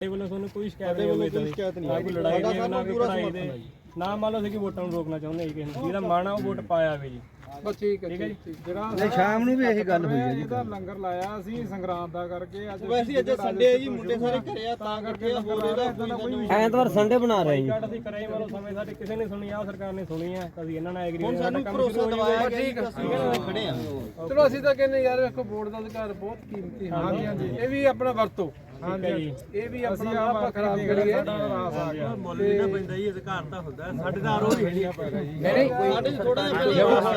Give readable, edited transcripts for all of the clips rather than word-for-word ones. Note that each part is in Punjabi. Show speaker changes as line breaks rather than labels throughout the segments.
ਵੱਲੋਂ ਤੁਹਾਨੂੰ ਕੋਈ ਸ਼ਿਕਾਇਤ ਨਹੀਂ ਹੋਈ, ਨਾ ਕੋਈ ਲੜਾਈ ਨਹੀਂ, ਨਾ ਕੋਈ ਪੜਾਈ ਦੇ, ਨਾ ਮੰਨ ਲਓ ਅਸੀਂ ਕਿ ਵੋਟਾਂ ਨੂੰ ਰੋਕਣਾ ਚਾਹੁੰਦੇ ਜੀ ਕਿਸੇ ਨੂੰ, ਜਿਹਦਾ ਮਨ ਆ ਉਹ ਵੋਟ ਪਾਇਆ ਵੇ ਜੀ।
ਬਸ ਠੀਕ ਹੈ ਜੀ। ਜਿਹੜਾ
ਸ਼ਾਮ ਨੂੰ ਵੀ ਇਹੀ ਗੱਲ ਹੋਈ ਹੈ ਜੀ।
ਇਹਦਾ ਲੰਗਰ ਲਾਇਆ ਅਸੀਂ ਸੰਗਰਾਂਦ ਦਾ ਕਰਕੇ, ਅੱਜ
ਵੈਸੇ ਅੱਜ ਸੰਡੇ ਹੈ ਜੀ, ਮੁੰਡੇ ਸਾਰੇ ਘਰੇ ਆ ਤਾਂ ਕਰਕੇ ਹੋਰ ਇਹਦਾ ਕੋਈ
ਐਤਵਾਰ ਸੰਡੇ ਬਣਾ ਰਹੇ ਜੀ।
ਅਸੀਂ ਕਰਾਈ ਮੰਨ ਲਓ ਸਮੇਂ ਸਾਡੇ ਕਿਸੇ ਨੇ ਸੁਣੀ ਆ, ਸਰਕਾਰ ਨੇ ਸੁਣੀ ਆ, ਅਸੀਂ ਇਹਨਾਂ ਨਾਲ ਐਗਰੀ
ਹੁਣ ਸਾਨੂੰ ਭਰੋਸਾ ਦਵਾਇਆ ਗਿਆ, ਅਸੀਂ ਖੜੇ ਆ।
ਚਲੋ ਅਸੀਂ ਤਾਂ ਕਹਿੰਦੇ ਯਾਰ ਵੇਖੋ ਵੋਟ ਦਾ ਅਧਿਕਾਰ ਬਹੁਤ ਕੀਮਤੀ ਹੈ। ਹਾਂਜੀ ਹਾਂਜੀ, ਇਹ ਵੀ ਆਪਣਾ ਵਰਤੋ। ਹਾਂਜੀ, ਇਹ ਵੀ ਆਪਣਾ ਨਾ ਆਪਾਂ ਖਰਾਬ ਕਰੀਏ।
ਮੁੱਲ ਨਹੀਂ ਨਾ ਪੈਂਦਾ ਜੀ, ਅਧਿਕਾਰ ਤਾਂ ਹੁੰਦਾ ਸਾਡੇ ਦਾ ਆਰੋ ਹੀ ਨਹੀਂ ਆਪਾਂ ਜੀ।
ਨਹੀਂ
ਸਾਡੇ ਥੋੜਾ ਜਿਹਾ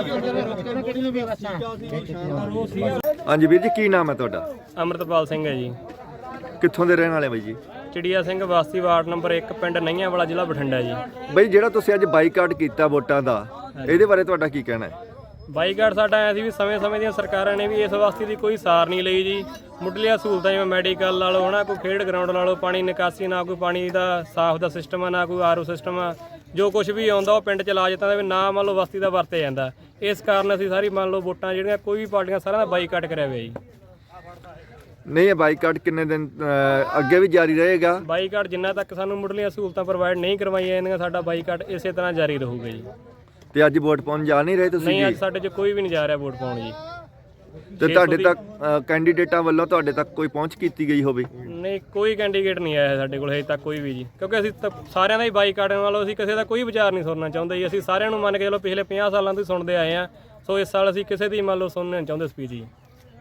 ਹਾਂਜੀ ਵੀਰ ਜੀ, ਕੀ ਨਾਮ ਹੈ ਤੁਹਾਡਾ?
ਅਮਰਤਪਾਲ ਸਿੰਘ ਹੈ ਜੀ,
ਕਿੱਥੋਂ ਦੇ ਰਹਿਣ ਵਾਲੇ ਬਾਈ ਜੀ?
ਚਿੜੀਆ ਸਿੰਘ ਵਾਸੀ ਵਾਰਡ ਨੰਬਰ 1 ਪਿੰਡ ਨਈਆਂ ਵਾਲਾ ਜ਼ਿਲ੍ਹਾ ਬਠਿੰਡਾ ਜੀ।
ਬਾਈ ਜਿਹੜਾ ਤੁਸੀਂ ਅੱਜ ਬਾਈਕਾਟ ਕੀਤਾ ਵੋਟਾਂ ਦਾ, ਇਹਦੇ ਬਾਰੇ ਤੁਹਾਡਾ ਕੀ ਕਹਿਣਾ ਹੈ?
ਬਾਈਕਾਟ ਸਾਡਾ ਐਂ ਸੀ ਵੀ ਸਮੇਂ-ਸਮੇਂ ਦੀਆਂ ਸਰਕਾਰਾਂ ਨੇ ਵੀ ਇਸ ਵਾਸਤੇ ਦੀ ਕੋਈ ਸਾਰ ਨਹੀਂ ਲਈ ਜੀ। ਮੁੱਢਲੀਆਂ ਸਹੂਲਤਾਂ ਜਿਵੇਂ ਮੈਡੀਕਲ ਲਾ ਲਓ, ਕੋਈ ਖੇਡ ਗਰਾਊਂਡ ਲਾ ਲਓ, ਪਾਣੀ ਨਿਕਾਸੀ, ਨਾ ਕੋਈ ਪਾਣੀ ਦਾ ਸਾਫ਼ ਦਾ ਸਿਸਟਮ ਆ, ਨਾ ਕੋਈ ਆਰਓ ਸਿਸਟਮ ਆ। ਜੋ ਕੁਝ ਵੀ ਆਉਂਦਾ ਉਹ ਪਿੰਡ 'ਚ ਲਾ ਜਾਂਦਾ, ਨਾ ਮੰਨ ਲਓ ਬਸਤੀ ਦਾ ਵਰਤਿਆ ਜਾਂਦਾ। ਇਸ ਕਾਰਨ ਅਸੀਂ ਸਾਰੀ ਮੰਨ ਲਓ ਵੋਟਾਂ ਜਿਹੜੀਆਂ ਕੋਈ ਵੀ ਪਾਰਟੀਆਂ ਸਾਰਿਆਂ ਦਾ ਬਾਈਕਾਟ ਕਰਿਆ ਹੋਇਆ ਜੀ।
ਨਹੀਂ, ਇਹ ਬਾਈਕਾਟ ਕਿੰਨੇ ਦਿਨ ਅੱਗੇ ਵੀ ਜਾਰੀ ਰਹੇਗਾ?
ਬਾਈਕਾਟ ਜਿੰਨਾ ਤੱਕ ਸਾਨੂੰ ਮੁੱਢਲੀਆਂ ਸਹੂਲਤਾਂ ਪ੍ਰੋਵਾਈਡ ਨਹੀਂ ਕਰਵਾਈਆਂ ਜਾਂਦੀਆਂ, ਸਾਡਾ ਬਾਈਕਾਟ ਇਸੇ ਤਰ੍ਹਾਂ ਜਾਰੀ ਰਹੂਗਾ ਜੀ।
ਤੇ ਅੱਜ ਵੋਟ ਪਾਉਣ ਜਾ ਨਹੀਂ ਰਹੇ ਤੁਸੀਂ?
ਨਹੀਂ, ਅੱਜ ਸਾਡੇ 'ਚ ਕੋਈ ਵੀ ਨਹੀਂ ਜਾ ਰਿਹਾ ਵੋਟ ਪਾਉਣ ਜੀ।
ਤੇ ਤੁਹਾਡੇ ਤੱਕ ਕੈਂਡੀਡੇਟਾਂ ਵੱਲੋਂ ਤੁਹਾਡੇ ਤੱਕ ਕੋਈ ਪਹੁੰਚ ਕੀਤੀ ਗਈ ਹੋਵੇ?
ਨਹੀਂ, ਕੋਈ ਕੈਂਡੀਡੇਟ ਨਹੀਂ ਆਇਆ ਸਾਡੇ ਕੋਲ ਹਜੇ ਤੱਕ ਕੋਈ ਵੀ ਜੀ, ਕਿਉਂਕਿ ਅਸੀਂ ਤਾਂ ਸਾਰਿਆਂ ਦਾ ਹੀ ਬਾਈਕਾਟ ਨਾਲੋਂ ਅਸੀਂ ਕਿਸੇ ਦਾ ਕੋਈ ਵਿਚਾਰ ਨਹੀਂ ਸੁਣਨਾ ਚਾਹੁੰਦੇ ਜੀ। ਅਸੀਂ ਸਾਰਿਆਂ ਨੂੰ ਮੰਨ ਕੇ ਚਲੋ ਪਿਛਲੇ 50 ਸਾਲਾਂ ਤੋਂ ਹੀ ਸੁਣਦੇ ਆਏ ਆ, ਸੋ ਇਸ ਸਾਲ ਅਸੀਂ ਕਿਸੇ ਦੀ ਮੰਨ ਲਓ ਸੁਣਨਾ ਨਹੀਂ ਚਾਹੁੰਦੇ ਸਪੀਚ ਜੀ।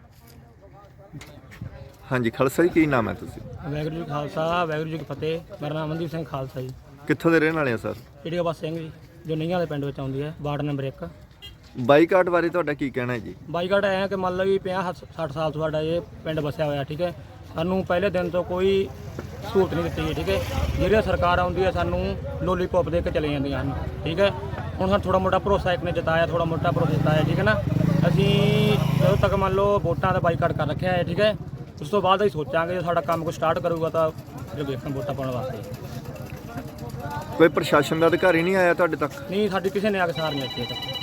ਹਾਂਜੀ ਖਾਲਸਾ ਜੀ, ਕੀ ਨਾਮ ਹੈ ਤੁਸੀਂ?
ਵਾਹਿਗੁਰੂ ਜੀ ਖਾਲਸਾ, ਵਾਹਿਗੁਰੂ ਜੀ ਕੀ ਫਤਿਹ। ਮੇਰਾ ਨਾਮ ਮਨਦੀਪ ਸਿੰਘ ਖਾਲਸਾ ਜੀ।
ਕਿੱਥੋਂ ਦੇ ਰਹਿਣ ਵਾਲੇ ਆ ਸਰ?
ਚਿੜੀਆ ਬਸ ਸਿੰਘ ਜੀ, ਜੋ ਨਈਆਂ ਵਾਲੇ ਪਿੰਡ ਵਿੱਚ ਆਉਂਦੀ ਹੈ, ਵਾਰਡ ਨੰਬਰ 1।
ਬਾਈਕਾਟ ਬਾਰੇ ਤੁਹਾਡਾ ਕੀ ਕਹਿਣਾ ਹੈ ਜੀ?
ਬਾਈਕਾਟ ਐਂ ਕਿ ਮੰਨ ਲਓ ਵੀ 50-60 ਸਾਲ ਤੋਂ ਸਾਡਾ ਇਹ ਪਿੰਡ ਵਸਿਆ ਹੋਇਆ, ਠੀਕ ਹੈ। ਸਾਨੂੰ ਪਹਿਲੇ ਦਿਨ ਤੋਂ ਕੋਈ ਸਹੂਲਤ ਨਹੀਂ ਦਿੱਤੀ ਗਈ, ਠੀਕ ਹੈ। ਜਿਹੜੀ ਸਰਕਾਰ ਆਉਂਦੀ ਹੈ ਸਾਨੂੰ ਲੋਲੀਪੌਪ ਦੇ ਕੇ ਚਲੇ ਜਾਂਦੀਆਂ ਹਨ, ਠੀਕ ਹੈ। ਹੁਣ ਸਾਨੂੰ ਥੋੜਾ ਮੋਟਾ ਭਰੋਸਾ ਇੱਕ ਨੇ ਜਤਾਇਆ, ਥੋੜਾ ਮੋਟਾ ਭਰੋਸਾ ਜਤਾਇਆ, ਠੀਕ ਹੈ ਨਾ। ਅਸੀਂ ਜਦੋਂ ਤੱਕ ਮੰਨ ਲਓ ਵੋਟਾਂ ਦਾ ਬਾਈਕਾਟ ਕਰ ਰੱਖਿਆ ਹੈ, ਠੀਕ ਹੈ। ਉਸ ਤੋਂ ਬਾਅਦ ਅਸੀਂ ਸੋਚਾਂਗੇ ਜੇ ਸਾਡਾ ਕੰਮ ਕੋਈ ਸਟਾਰਟ ਕਰੂਗਾ ਤਾਂ ਫਿਰ ਵੇਖਣ ਵੋਟਾਂ ਪਾਉਣ ਵਾਸਤੇ।
ਕੋਈ ਪ੍ਰਸ਼ਾਸਨ ਦਾ ਅਧਿਕਾਰੀ ਨਹੀਂ ਆਇਆ ਤੁਹਾਡੇ ਤੱਕ?
ਨਹੀਂ, ਸਾਡੀ ਕਿਸੇ ਨੇ ਆ ਕੇ ਸਾਰ ਨਹੀਂ ਦਿੱਤੀ ਤੱਕ।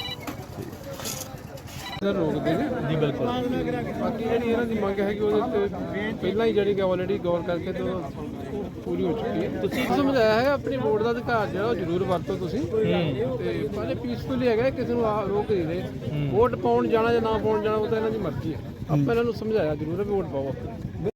ਰੋਕਦੇ ਨੇ ਜੀ, ਬਿਲਕੁਲ। ਬਾਕੀ ਜਿਹੜੀ ਇਹਨਾਂ ਦੀ ਮੰਗ ਹੈ ਕਿ ਉਹਦੇ ਤੇ ਪਹਿਲਾਂ ਹੀ ਜਿਹੜੀ ਕਿ ਆਲਰੇਡੀ ਗੌਰ ਕਰਕੇ ਤੇ ਪੂਰੀ ਹੋ ਚੁੱਕੀ ਹੈ। ਤੁਸੀਂ ਸਮਝਾਇਆ ਹੈ ਆਪਣੀ ਵੋਟ ਦਾ ਅਧਿਕਾਰ ਜਿਹੜਾ ਉਹ ਜ਼ਰੂਰ ਵਰਤੋ ਤੁਸੀਂ, ਤੇ ਪਹਿਲੇ ਪੀਸਫੁਲੀ ਹੈਗਾ, ਕਿਸੇ ਨੂੰ ਰੋਕ ਨਹੀਂ ਰਹੇ। ਵੋਟ ਪਾਉਣ ਜਾਣਾ ਜਾਂ ਨਾ ਪਾਉਣ ਜਾਣਾ ਉਹ ਤਾਂ ਇਹਨਾਂ ਦੀ ਮਰਜ਼ੀ ਹੈ। ਆਪਾਂ ਇਹਨਾਂ ਨੂੰ ਸਮਝਾਇਆ ਜ਼ਰੂਰ ਹੈ ਵੀ ਵੋਟ ਪਾਓ।